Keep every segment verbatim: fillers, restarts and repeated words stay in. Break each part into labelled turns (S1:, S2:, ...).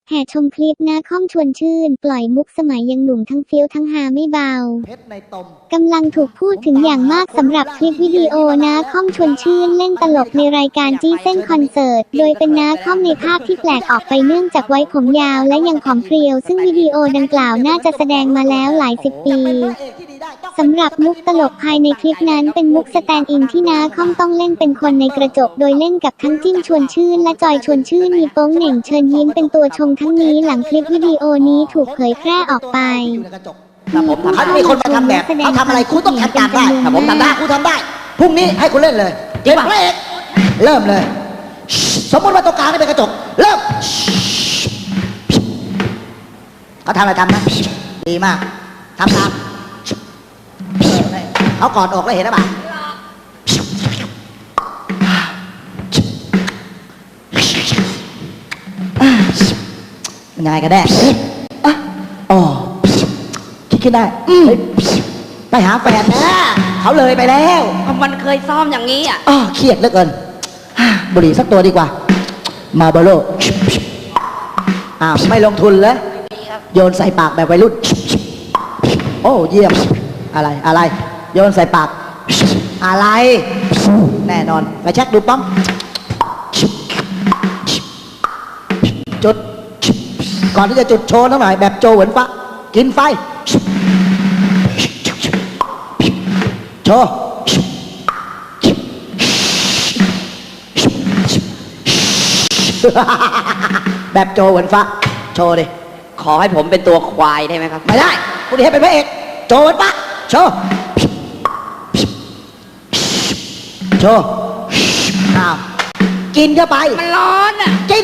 S1: แห่ชมคลิปนาคอมชวนชื่นปล่อยมุกสมัยยังหนุ่มทั้งเฟี้ยวทั้งฮาไม่เบากำลังถูกพูดถึงอย่างมากสำหรับคลิปวิดีโอนาคอมชวนชื่นเล่นตลกในรายการจี้เส้นคอนเสิร์ตโดยเป็นนาคอมในภาพที่แปลกออกไปเนื่องจากไว้ผมยาวและยังผอมเพรียวซึ่งวิดีโอดังกล่าวน่าจะแสดงมาแล้วหลายสิบปีสำหรับมุกตลกภายในคลิปนั้นเป็นมุกสแตนด์อินที่นาคอมต้องเล่นเป็นคนในกระจกโดยเล่นกับทั้งจิ้มชวนชื่นและจอยชวนชื่นมีโป้งเหน่งเชิญยิ้มเป็นตัวชงทั้งนี้หลังคลิปวิดีโอนี้ถูกเผยแพร่ออกไป
S2: ถ้าผมทำมีคนมาทำแบบเขาทำอะไรคุณต้องทำตามได้ถ้าผมทำได้คุณทำได้พรุ่งนี้ให้คุณเล่นเลยเก็บพระเอกเริ่มเลยสมมติว่าตรงกลางนี่เป็นกระจกเริ่มเขาทำอะไรทำนะดีมากทำตามเขากอดอกแล้วเห็นหรือเปล่ายังไงกันแน่อ๋อคิดขึ้นได้ไปหาแฟนนะเขาเลยไปแล้ว
S3: มันเคยซ้อมอย่างนี้อ่ะ
S2: อ๋อเครียดเหลือเกินบุหรี่สักตัวดีกว่ามาเบโลอ้าวไม่ลงทุนเลยโยนใส่ปากแบบวัยรุ่นโอ้เยี่ยมอะไรอะไรโยนใส่ปากอะไรแน่นอนไปเช็คดูป้อมจุดก่อนที่จะจุดโชว์หน่อยแบบโจเหวินฟ้ากินไฟโชว์แบบโจเหวินฟ้าโชว์ดิ
S3: ขอให้ผมเป็นตัวควายได้ไหมครับ
S2: ไม่ได้คุณให้เป็นพระเอกโจเหวินฟ้าโชว์โชว์อ้าวกินเข้าไป
S3: มันร้อนอ่ะ
S2: กิน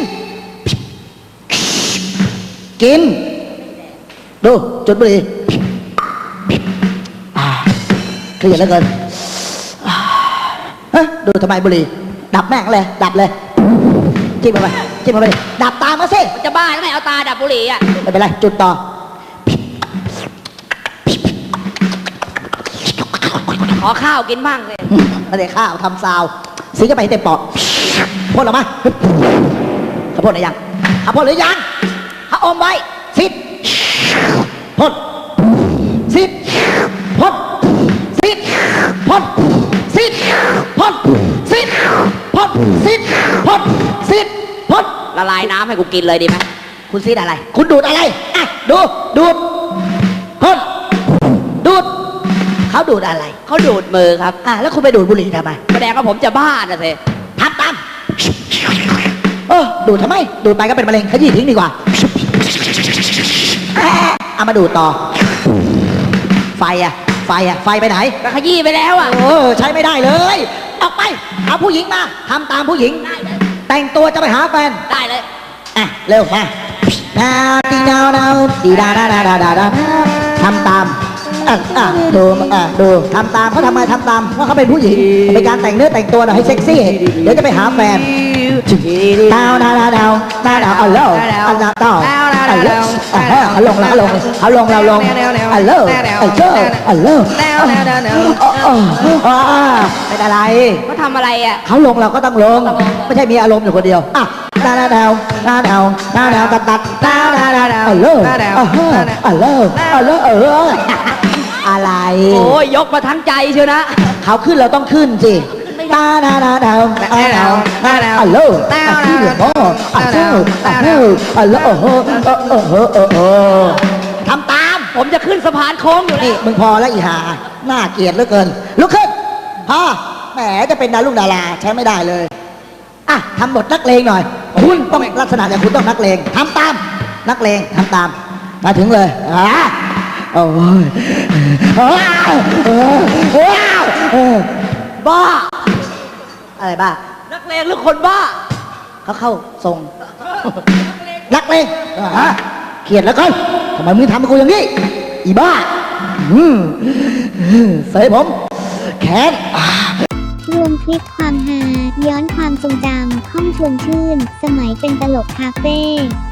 S2: กินดูจุดบุหรี่เครียดเหลือเกินดูทำไมบุหรี่ดับแม่งเลยดับเลยจิ้มเข้าไปจิ้มเข้าไปดับตามมาสิ
S3: จะบ้าทำไมเอาตาดับบุหรี่อ่ะ
S2: ไม่เป็นไรจุดต่อ
S3: ขอข้าวกินบ้างเลย
S2: ไม่ได้ข้าวทำซาวซีเข้าไปเต็มปอดพ่นออกมาเขาพ่นหรือยังเขาพ่นหรือยังเขาอมไว้ซิดพ่นซิดพ่นซิดพ่นซิดพ่นซิดพ่นซิดพ่นซิดพ่น
S3: ละลายน้ำให้กูกินเลยดีไหม
S2: คุณซิดอะไรคุณดูดอะไรอ่ะดูดูดพ่นดูดเขาดูดอะไร
S3: เขาดูดมือครับ
S2: อ่ะแล้วคุณไปดูดบุหรี่ทำไม
S3: แสดงว่าผมจะบ้าน่ะสิ
S2: ทำตามเออดูดทำไมดูดไปก็เป็นมะเร็งขยี้ทิ้งดีกว่าเอามาดูดต่อไฟอะไฟอะไฟไปไหน
S3: ขยี้ไปแล้วอะ
S2: เออใช้ไม่ได้เลยออกไปเอาผู้หญิงมาทำตามผู้หญิงแต่งตัวจะไปหาแฟน
S3: ได้เลย
S2: อ่ะเร็วมาดาวตีดาวดาวตีดาดาดาดาดาทำตามอ่ะอ่ะดูอ่ะดูทำตามเขาทำไมทำตามเพราะเขาเป็นผู้หญิงเป็นการแต่งเนื้อแต่งตัวหน่อยให้เซ็กซี่เดี๋ยวจะไปหาแฟนดาวดาวดาวดาวดาวดาวเอาเร็วเอาดาวดาวเอาเร็วเอาลงแล้วลงเอาลงเราลงเอาเร็วเอาเจ้าเอาเร็วเป็นอะไร
S3: เขาทำอะไรอ่ะ
S2: เขาลงเราก็ต้องลงไม่ใช่มีอารมณ์อยู่คนเดียวอ่ะดาวดาวดาวดาวดาวดาวตัดตัดดาวดาวดาวดาวเอาเร็วเอาเร็วเอาเร็วเอาเร็วเอออะไร
S3: โอ้ยยกมาทั้งใจเชียวนะ
S2: เขาขึ้นเราต้องขึ้นสิดาดาดาดาดาดาดาดาอัลโหลอัลโหลอัลโหลอัลโหลอัลโหลโอ้โหโอ้โหโอ้โหทำตาม
S3: ผมจะขึ้นสะพานโค้งอยู่
S2: นี่มึงพอแล้วอีห่าน่าเกลียดเหลือเกินลุกขึ้นพ่อแหมจะเป็นดารุ่งดาราใช้ไม่ได้เลยอ่ะทำบทนักเลงหน่อยคุณต้องลักษณะอย่างคุณต้องนักเลงทำตามนักเลงทำตามมาถึงเลยอ่ะโอ้ยบ้าอะไรบ้า
S3: นักเลงหรือคนบ้า
S2: เขาเข้าทรงนักเลงฮะเขียดแล้วกันทำไมมึงทำกับกูอย่างนี้อีบ้าเสยผมแขน
S1: รวมคลิปความฮาย้อนความทรงจำค่อมชวนชื่นสมัยเป็นตลกคาเฟ่